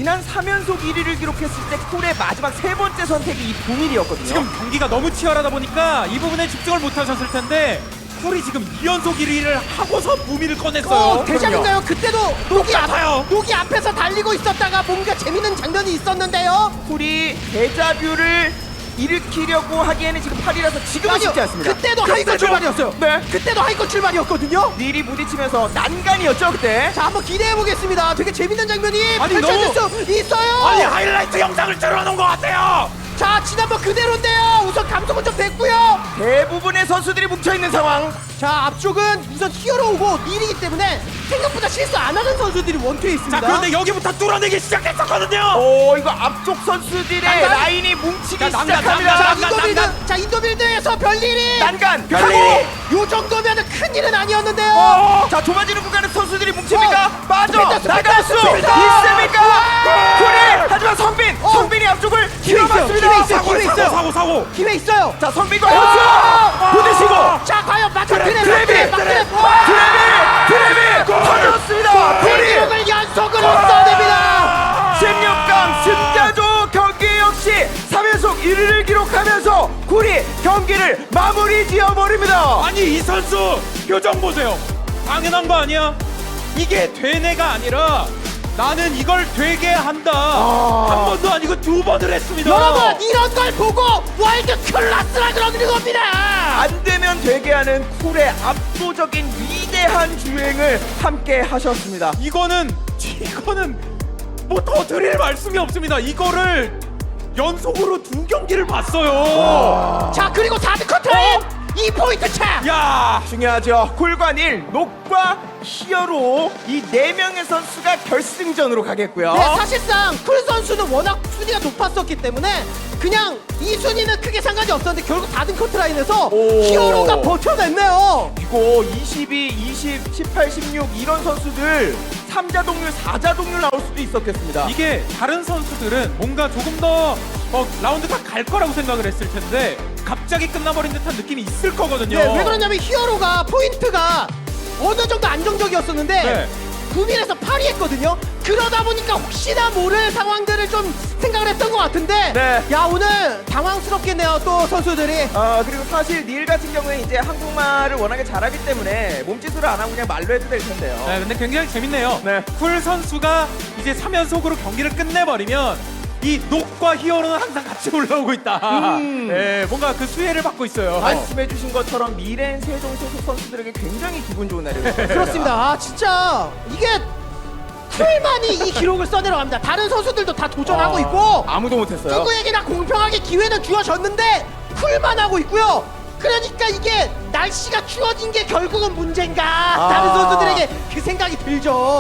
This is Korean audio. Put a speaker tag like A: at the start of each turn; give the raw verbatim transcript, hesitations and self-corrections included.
A: 지난 삼 연속 일 위를 기록했을 때 쿨의 마지막 세 번째 선택이 이 부밀이었거든요.
B: 지금 경기가 너무 치열하다 보니까 이 부분에 집중을 못하셨을 텐데 쿨이 지금 이 연속 일 위를 하고서 부미를 꺼냈어요.
C: 어, 대장인가요? 그때도 녹이, 앞,
B: 똑같아요.
C: 녹이 앞에서 달리고 있었다가 뭔가 재밌는 장면이 있었는데요.
A: 쿨이 데자뷰를 일으키려고 하기에는 지금 팔 위라서 지금은 쉽지 않습니다.
C: 그때도 하이컷 출발이었어요.
A: 네.
C: 그때도 하이컷 출발이었거든요.
A: 닐이 부딪히면서 난간이었죠 그때.
C: 자, 한번 기대해 보겠습니다. 되게 재밌는 장면이
B: 아니,
C: 펼쳐질 수 있어요.
B: 아니 하이라이트 영상을 틀어놓은 것 같아요.
C: 자, 지난번 그대로인데요. 우선 감속은 좀 됐고요.
A: 대부분의 선수들이 뭉쳐있는 상황.
C: 자, 앞쪽은 우선 히어로 오고 닐이기 때문에 생각보다 실수 안 하는 선수들이 원투에 있습니다.
B: 자 그런데 여기부터 뚫어내기 시작했었거든요.
A: 오 이거 앞쪽 선수들의
C: 난간?
A: 라인이 뭉치기
B: 자, 난간,
A: 시작합니다.
C: 자,
B: 난간,
C: 인도빌드,
B: 난간.
C: 자, 인도빌드에서 별일이
A: 난간
C: 별일이
A: 하고
C: 요 정도면 큰 일은 아니었는데요.
A: 어, 자 좁아지는 구간에 선수들이 뭉칩니까?
C: 어,
A: 빠져
C: 스피드,
A: 나갈 수
C: 스피드, 스피드.
A: 있습니까? 그래 하지만 성빈
C: 어.
A: 성빈이 앞쪽을
C: 기회 있어요,
A: 휘어봤습니다.
C: 기회 있어요,
B: 사고
C: 기회
B: 사고
C: 있어요.
B: 사고 사고.
C: 기회 있어요.
A: 자 성빈과
C: 아.
A: 현수 부딪히고
C: 자, 과연 마크
A: 그래,
C: 트랩,
A: 트랩이,
C: 마크
A: 트랩,
C: 트랩, 와!
A: 트랩이 트랩이 터졌습니다. 불이
C: 대기록을 연속으로 써냅니다.
A: 십육 강 승자조 경기 역시 삼 연속 일 위를 기록하면서 쿨이 경기를 마무리 지어버립니다.
B: 아니 이 선수 표정 보세요. 당연한 거 아니야? 이게 되네가 아니라 나는 이걸 되게 한다. 한 번도 아니고 두 번을 했습니다.
C: 여러분, 이런 걸 보고 월드 클래스라 그러는 겁니다.
A: 안 되면 되게 하는 쿨의 압도적인 위대한 주행을 함께 하셨습니다.
B: 이거는 이거는 뭐 더 드릴 말씀이 없습니다. 이거를 연속으로 두 경기를 봤어요.
C: 자, 그리고 다드 커트라인 이 포인트 차.
B: 야,
A: 중요하죠. 쿨과 닐, 녹과 히어로 이 네 명의 선수가 결승전으로 가겠고요.
C: 네, 사실상 쿨 선수는 워낙 순위가 높았었기 때문에 그냥 이 순위는 크게 상관이 없었는데 결국 다든 커트라인에서
A: 오.
C: 히어로가 버텨냈네요.
A: 이거 이십이, 이십, 십팔, 십육 이런 선수들 삼자 동률, 사자 동률 나올 수도 있었겠습니다.
B: 이게 다른 선수들은 뭔가 조금 더 어, 라운드가 갈 거라고 생각을 했을 텐데 갑자기 끝나버린 듯한 느낌이 있을 거거든요.
C: 네, 왜 그러냐면 히어로가 포인트가 어느 정도 안정적이었었는데
B: 네.
C: 구 밀에서 팔 위 했거든요. 그러다 보니까 혹시나 모를 상황들을 좀 생각을 했던 것 같은데
A: 네.
C: 야, 오늘 당황스럽겠네요, 또 선수들이.
A: 아 그리고 사실 닐 같은 경우에 이제 한국말을 워낙에 잘하기 때문에 몸짓으로 안 하고 그냥 말로 해도 될 텐데요.
B: 네, 근데 굉장히 재밌네요.
A: 네.
B: 쿨 선수가 이제 삼 연속으로 경기를 끝내버리면 이 녹과 히어로는 항상 같이 올라오고 있다.
A: 음.
B: 네, 뭔가 그 수혜를 받고 있어요.
A: 말씀해주신 것처럼 미래인 세종 소속 선수들에게 굉장히 기분 좋은 날이었어요.
C: 그렇습니다. 아, 진짜 이게 쿨만이 이 기록을 써내려갑니다. 다른 선수들도 다 도전하고 있고
A: 아무도 못했어요.
C: 누구에게나 공평하게 기회는 주어졌는데 쿨만 하고 있고요. 그러니까 이게 날씨가 추워진 게 결국은 문제인가? 다른 선수들에게 그 생각이 들죠.